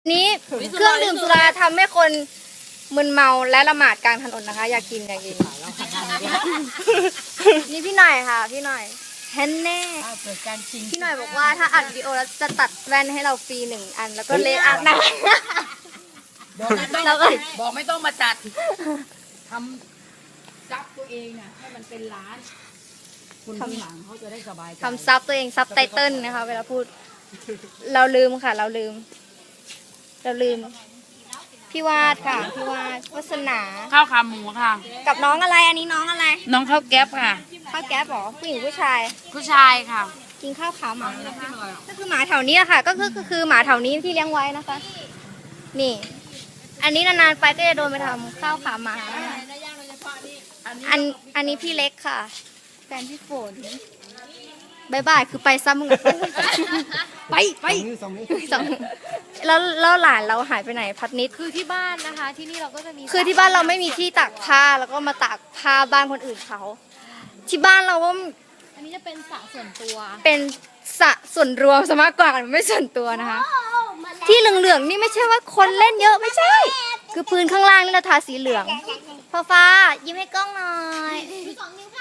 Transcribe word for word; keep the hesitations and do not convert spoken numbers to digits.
นี้เครื่องดื่มสุราทำให้คนมึนเมาและละหมาดกลางถนนนะคะ อยากกินอยากกินนี่พี่หน่อยค่ะ พี่หน่อยแฮนแน่พี่หน่อยบอกว่าถ้าอัดวิดีโอแล้วจะตัดแว่นให้เราฟรีหนึ่งอันแล้วก็เลอัพนะบอกไม่ต้องบอกไม่ต้องมาจัดทำซับตัวเองน่ะให้มันเป็นร้านคนข้างหลังเขาจะได้สบายใจทำซับตัวเองซับไตเติลนะคะเวลาพูด เราลืมค่ะ เราลืม เราลืม พี่วาดค่ะ พี่วาดวัสนาข้าวขาหมูค่ะกับน้องอะไรอันนี้น้องอะไรน้องข้าวแก๊บค่ะข้าวแก๊บเหรอผู้หญิงผู้ชายผู้ชายค่ะกินข้าวขาวหมานะคะก็คือหมาแถวนี้อะค่ะ ก็คือก็คือหมาแถวนี้ที่เลี้ยงไว้นะคะ นี่ อันนี้นานๆไปก็จะโดนไปทำข้าวขาหมานะคะอันอันนี้พี่เล็กค่ะ แฟนพี่ฝนบายบายคือไปซ้ำมึงอะไปไปสองแล้วแล้วหลานเราหายไปไหนพัดนิดคือที่บ้านนะคะ ที่นี่เราก็จะมีคือที่บ้านเราไม่มีที่ตากผ้าแล้วก็มาตากผ้าบ้านคนอื่นเขา ที่บ้านเราก็อันนี้จะเป็นสระส่วนตัวเป็นสระส่วนรวมซะมากกว่าไม่ส่วนตัวนะคะ ที่เหลืองๆนี่ไม่ใช่ว่าคนเล่นเยอะไม่ใช่ คือพื้นข้างล่างนี่เราทาสีเหลืองฟ้าฟ้ายิ้มให้กล้องหน่อย